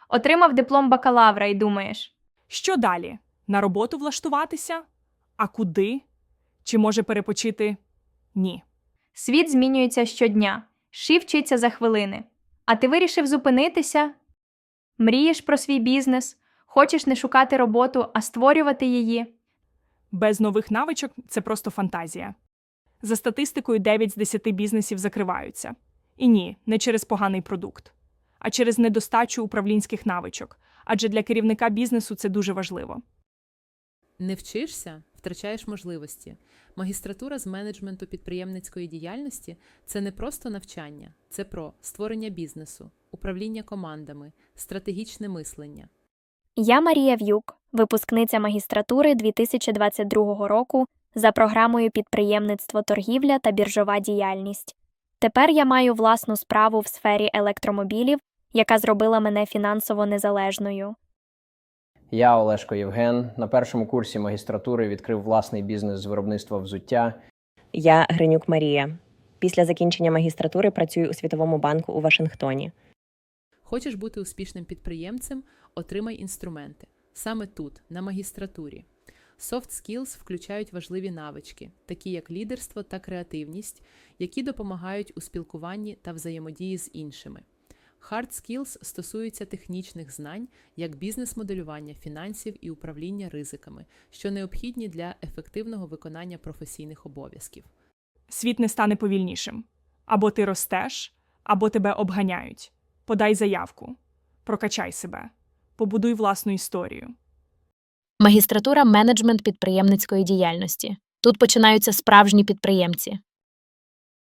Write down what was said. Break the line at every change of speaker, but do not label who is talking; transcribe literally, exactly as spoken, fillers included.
Отримав диплом бакалавра і думаєш:
Що далі? На роботу влаштуватися? А куди? Чи може перепочити? Ні.
світ змінюється щодня, ши вчиться за хвилини. А ти вирішив зупинитися? Мрієш про свій бізнес, хочеш не шукати роботу, а створювати її.
Без нових навичок це просто фантазія. За статистикою, дев'ять з десяти бізнесів закриваються. І ні, не через поганий продукт, а через недостачу управлінських навичок. Адже для керівника бізнесу це дуже важливо.
Не вчишся – втрачаєш можливості. Магістратура з менеджменту підприємницької діяльності – це не просто навчання, це про створення бізнесу, управління командами, стратегічне мислення.
Я Марія В'юк, випускниця магістратури дві тисячі двадцять другого року за програмою «Підприємництво, торгівля та біржова діяльність». Тепер я маю власну справу в сфері електромобілів, яка зробила мене фінансово незалежною.
Я Олешко Євген. На першому курсі магістратури відкрив власний бізнес з виробництва взуття.
Я Гринюк Марія. Після закінчення магістратури працюю у Світовому банку у Вашингтоні.
Хочеш бути успішним підприємцем – отримай інструменти. Саме тут, на магістратурі. Soft skills включають важливі навички, такі як лідерство та креативність, які допомагають у спілкуванні та взаємодії з іншими. Hard skills стосуються технічних знань, як бізнес-моделювання фінансів і управління ризиками, що необхідні для ефективного виконання професійних обов'язків.
Світ не стане повільнішим. Або ти ростеш, або тебе обганяють. Подай заявку. Прокачай себе. Побудуй власну історію.
Магістратура менеджмент підприємницької діяльності. Тут починаються справжні підприємці.